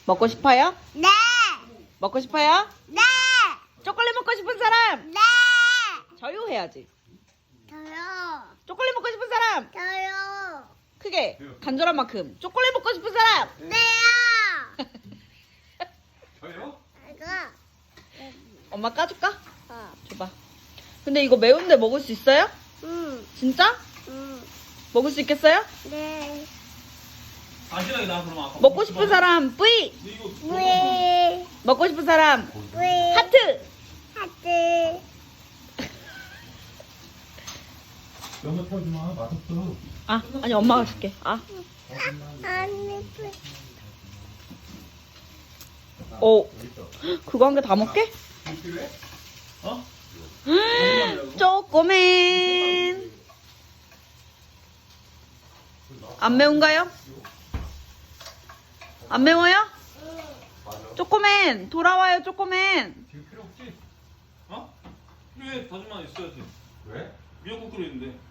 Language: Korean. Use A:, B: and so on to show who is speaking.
A: 먹고 싶어요?
B: 네.
A: 먹고 싶어요?
B: 네.
A: 초콜릿 먹고 싶은 사람?
B: 네.
A: 저요 해야지.
B: 저요.
A: 초콜릿 먹고 싶은 사람?
B: 저요.
A: 크게 간절한 만큼. 초콜릿 먹고 싶은 사람?
B: 네요.
C: 저요?
B: 이거.
A: 엄마 까줄까?
B: 어.
A: 줘봐. 근데 이거 매운데 먹을 수 있어요?
B: 응.
A: 진짜?
B: 응.
A: 먹을 수 있겠어요?
B: 네.
C: 안전하게 나 그러면 아까
A: 먹고 싶은 사람 뿌이.
C: 근데 이거
B: 왜?
A: 먹고 싶은 사람
B: 왜?
A: 하트.
B: 하트.
C: 연어 태워주마 맛없어.
A: 아 아니 엄마가 줄게. 아.
B: 아니.
A: 오. 그거 한 개 다 먹게?
C: 필요해? 어?
A: 쪼꼬맨. 안 매운가요? 안 매워요? 쪼꼬맨 돌아와요 쪼꼬맨.
C: 지금 필요 없지? 어? 필요해. 다짐만 있어야지. 왜? 미역국 끓이는데.